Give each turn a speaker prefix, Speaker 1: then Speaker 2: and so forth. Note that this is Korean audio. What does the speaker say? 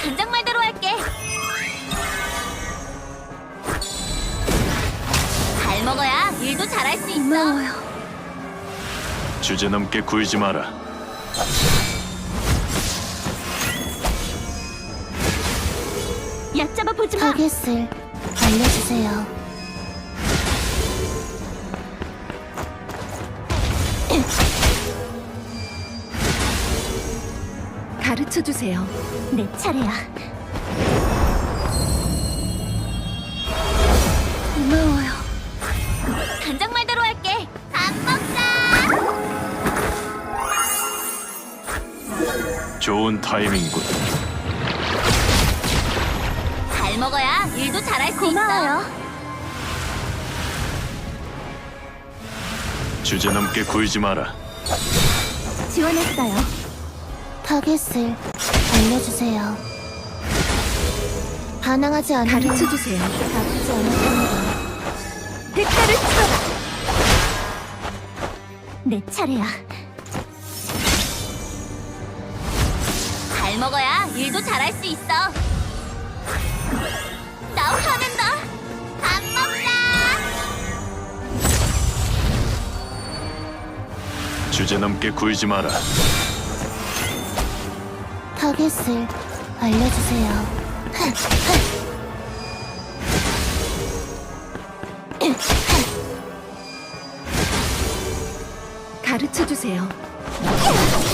Speaker 1: 단장 말대로 할게. 잘 먹어야 일도 잘할 수 있어.
Speaker 2: 고마워요.
Speaker 3: 주제넘게 굴지 마라.
Speaker 1: 얕잡아 보지 마.
Speaker 2: 타겟을 알려주세요.
Speaker 1: 가르쳐 주세요. 내 차례야.
Speaker 2: 고마워요.
Speaker 1: 단장 말대로 할게. 밥 먹자.
Speaker 3: 좋은 타이밍군.
Speaker 1: 잘 먹어야 일도 잘할 수
Speaker 2: 고마워요.
Speaker 3: 주제넘게 굴지 마라.
Speaker 1: 있어. 지원했어요.
Speaker 2: 타겟을 알려주세요. 반항하지 않으면
Speaker 1: 가르쳐 주세요.
Speaker 2: 나쁘지 않을 겁니다.
Speaker 1: 대가를 치러라. 내 차례야. 잘 먹어야 일도 잘할 수 있어. 나 화낸다. 밥 먹자.
Speaker 3: 주제넘게 굴지 마라.
Speaker 2: 타겟을 알려주세요.
Speaker 1: 가르쳐 주세요.